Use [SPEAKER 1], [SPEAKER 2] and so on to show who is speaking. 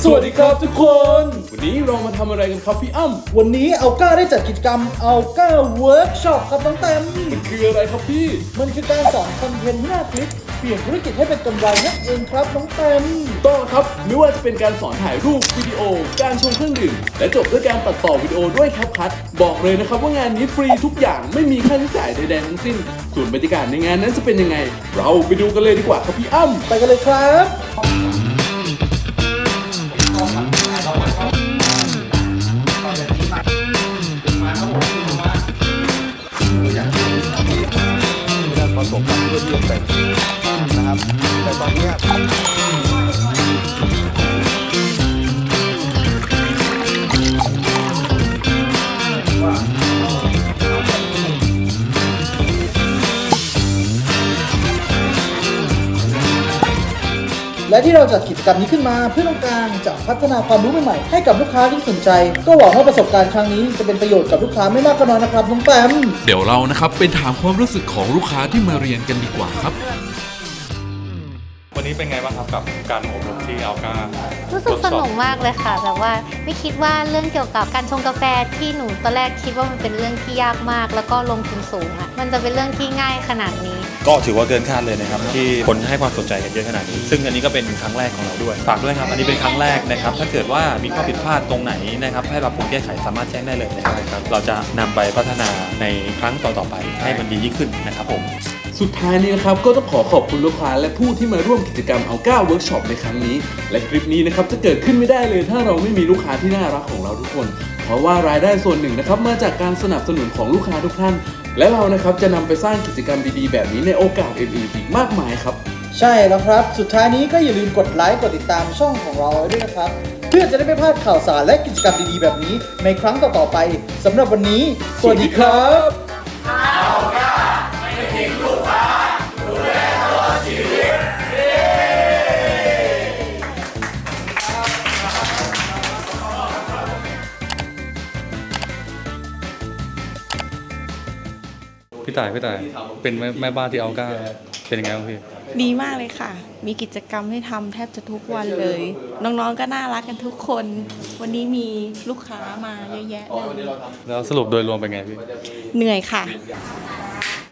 [SPEAKER 1] วัสดีครับทุกคน วันนี้เรามาทำอะไรกันครับพี่อ้ำ
[SPEAKER 2] วันนี้อัลก้าได้จัดกิจกรรมอัลก้าเวิร์กช็อปครับน้องแต้ม
[SPEAKER 1] มันคืออะไรครับพี่
[SPEAKER 2] มันคือการสอนคอนเทนต์หน้าคลิปเปลี่ยนธุรกิจให้เป็นกำไรนั่นเองครับน้องแต้ม
[SPEAKER 1] ต้องครับไม่ว่าจะเป็นการสอนถ่ายรูปวิดีโอการชงเครื่องดื่มและจบด้วยการตัดต่อวิดีโอด้วยแคปคัทบอกเลยนะครับว่างานนี้ฟรีทุกอย่างไม่มีค่าใช้จ่ายใดๆทั้งสิ้นส่วนบรรยากาศในงานนั้นจะเป็นยังไง เราไปดูกันเลยดีกว่าครับพี่อ้ำ
[SPEAKER 2] ไปกันเลยครับ
[SPEAKER 3] การผสมกันเพื่อที่จะแต่งนะครับ แต่ตอนนี้
[SPEAKER 2] และที่เราจัดกิจกรรมนี้ขึ้นมาเพื่อต้องการจะพัฒนาความรู้ใหม่ๆให้กับลูกค้าที่สนใจ ก็หวังว่าประสบการณ์ครั้งนี้จะเป็นประโยชน์กับลูกค้าไม่มากก็น้อยนะครับน้องแต้ม
[SPEAKER 4] เดี๋ยวเรานะครับไปถามความรู้สึกของลูกค้าที่มาเรียนกันดีกว่าครับ
[SPEAKER 5] วันนี้เป็นไงบ้างครับกับการอบรมที่อัลก้า
[SPEAKER 6] รู้สึกสนุกมากเลยค่ะแบบว่าไม่คิดว่าเรื่องเกี่ยวกับการชงกาแฟที่หนูตอนแรกคิดว่ามันเป็นเรื่องที่ยากมาก แล้วก็ลงทุนสูงอ่ะมันจะเป็นเรื่องที่ง่ายขนาดนี้
[SPEAKER 5] ก็ถือว่าเกินคาดเลยนะครับที่คนให้ความสนใจกันเยอะขนาดนี้ซึ่งอันนี้ก็เป็นครั้งแรกของเราด้วยฝากด้วยครับอันนี้เป็นครั้งแรกนะครับถ้าเกิดว่ามีข้อผิดพลาดตรงไหนนะครับให้เราปรับแก้ไขสามารถแจ้งได้เลยนะครับเราจะนำไปพัฒนาในครั้งต่อๆไปให้มันดียิ่งขึ้นนะครับผม
[SPEAKER 1] สุดท้ายนี้นะครับก็ต้องขอบคุณลูกค้าและผู้ที่มาร่วมกิจกรรมอัลก้าเวิร์กช็อปในครั้งนี้และคลิปนี้นะครับจะเกิดขึ้นไม่ได้เลยถ้าเราไม่มีลูกค้าที่น่ารักของเราทุกคน เพราะว่ารายได้ส่วนหนึ่งนะครับมาจากการสนับสนุนของลูกค้าทุกท่านและเรานะครับจะนำไปสร้างกิจกรรมดีๆแบบนี้ในโอกาสอื่นๆอีกมากมายครับ
[SPEAKER 2] ใช่แล้วครับ สุดท้ายนี้ก็อย่าลืมกดไลค์กดติดตามช่องของเราไว้ด้วยนะครับเพื่อจะได้ไม่พลาดข่าวสารและกิจกรรมดีๆแบบนี้ในครั้งต่อๆไปสำหรับวันนี้ สวัสดีครับ
[SPEAKER 5] พี่ต่ายเป็นแม่บ้านที่อัลก้าเป็นยังไงบ้างพี่
[SPEAKER 7] ดีมากเลยค่ะ มีกิจกรรมให้ทำแทบจะทุกวันเลย น้องๆ ก็น่ารักกันทุกคน วันนี้มีลูกค้ามาเยอะแยะเลย
[SPEAKER 5] แล้วสรุปโดยรวมเป็นไงพี่
[SPEAKER 7] เหนื่อยค่ะ